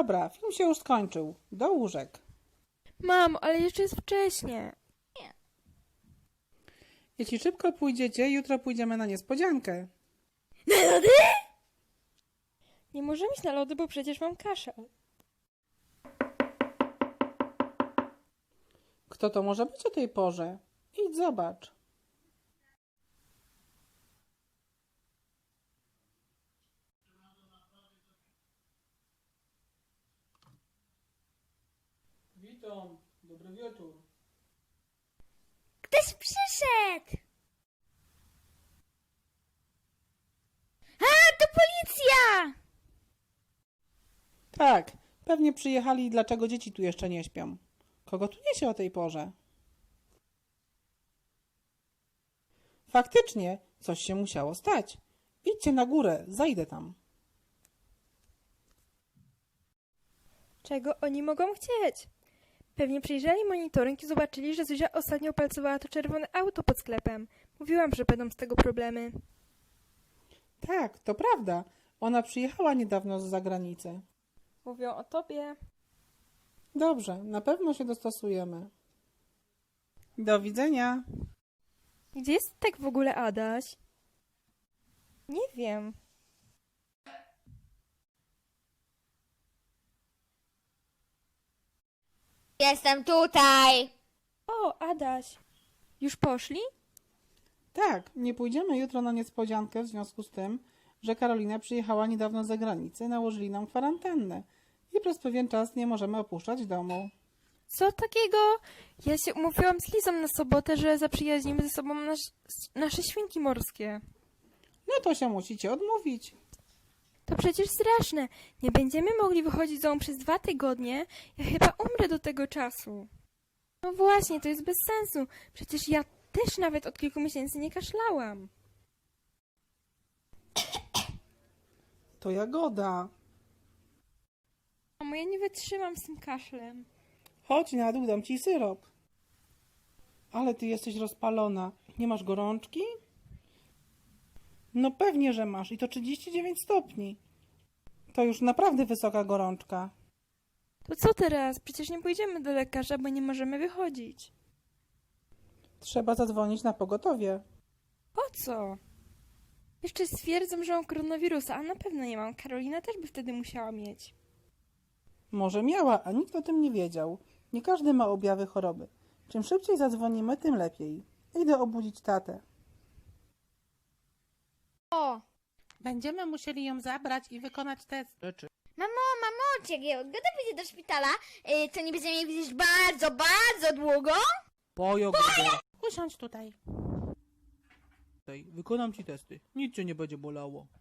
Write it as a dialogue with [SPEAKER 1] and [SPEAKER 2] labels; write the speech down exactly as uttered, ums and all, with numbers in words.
[SPEAKER 1] Dobra, film się już skończył. Do łóżek.
[SPEAKER 2] Mamo, ale jeszcze jest wcześnie.
[SPEAKER 1] Jeśli szybko pójdziecie, jutro pójdziemy na niespodziankę.
[SPEAKER 2] Na lody? Nie możemy iść na lody, bo przecież mam kaszel.
[SPEAKER 1] Kto to może być o tej porze? Idź zobacz. Witam, dobry wieczór.
[SPEAKER 3] Ktoś przyszedł! A, to policja!
[SPEAKER 1] Tak, pewnie przyjechali i dlaczego dzieci tu jeszcze nie śpią. Kogo tu niesie o tej porze? Faktycznie, coś się musiało stać. Idźcie na górę, zajdę tam.
[SPEAKER 2] Czego oni mogą chcieć? Pewnie przyjrzeli monitoring i zobaczyli, że Zuzia ostatnio palcowała to czerwone auto pod sklepem. Mówiłam, że będą z tego problemy.
[SPEAKER 1] Tak, to prawda. Ona przyjechała niedawno z zagranicy.
[SPEAKER 2] Mówią o tobie.
[SPEAKER 1] Dobrze, na pewno się dostosujemy. Do widzenia.
[SPEAKER 2] Gdzie jest tak w ogóle Adaś? Nie wiem.
[SPEAKER 3] Jestem tutaj!
[SPEAKER 2] O, Adaś. Już poszli?
[SPEAKER 1] Tak, nie pójdziemy jutro na niespodziankę w związku z tym, że Karolina przyjechała niedawno z zagranicy, nałożyli nam kwarantannę i przez pewien czas nie możemy opuszczać domu.
[SPEAKER 2] Co takiego? Ja się umówiłam z Lizą na sobotę, że zaprzyjaźnimy ze sobą nasz, nasze świnki morskie.
[SPEAKER 1] No to się musicie odmówić.
[SPEAKER 2] To przecież straszne. Nie będziemy mogli wychodzić z domu przez dwa tygodnie. Ja chyba umrę do tego czasu. No właśnie, to jest bez sensu. Przecież ja też nawet od kilku miesięcy nie kaszlałam.
[SPEAKER 1] To Jagoda.
[SPEAKER 2] Mamo, ja nie wytrzymam z tym kaszlem.
[SPEAKER 1] Chodź na dół, dam ci syrop. Ale ty jesteś rozpalona. Nie masz gorączki? No pewnie, że masz. I to trzydzieści dziewięć stopni. To już naprawdę wysoka gorączka.
[SPEAKER 2] To co teraz? Przecież nie pójdziemy do lekarza, bo nie możemy wychodzić.
[SPEAKER 1] Trzeba zadzwonić na pogotowie.
[SPEAKER 2] Po co? Jeszcze stwierdzą, że mam koronawirusa, a na pewno nie mam. Karolina też by wtedy musiała mieć.
[SPEAKER 1] Może miała, a nikt o tym nie wiedział. Nie każdy ma objawy choroby. Czym szybciej zadzwonimy, tym lepiej. Idę obudzić tatę.
[SPEAKER 3] O!
[SPEAKER 4] Będziemy musieli ją zabrać i wykonać test.
[SPEAKER 3] Mamo, mamo, czy jak Jagoda pójdzie do szpitala, yy, to nie będziemy jej widzieć bardzo, bardzo długo?
[SPEAKER 1] Po Jagodę.
[SPEAKER 4] Usiądź tutaj.
[SPEAKER 1] Wykonam ci testy. Nic cię nie będzie bolało.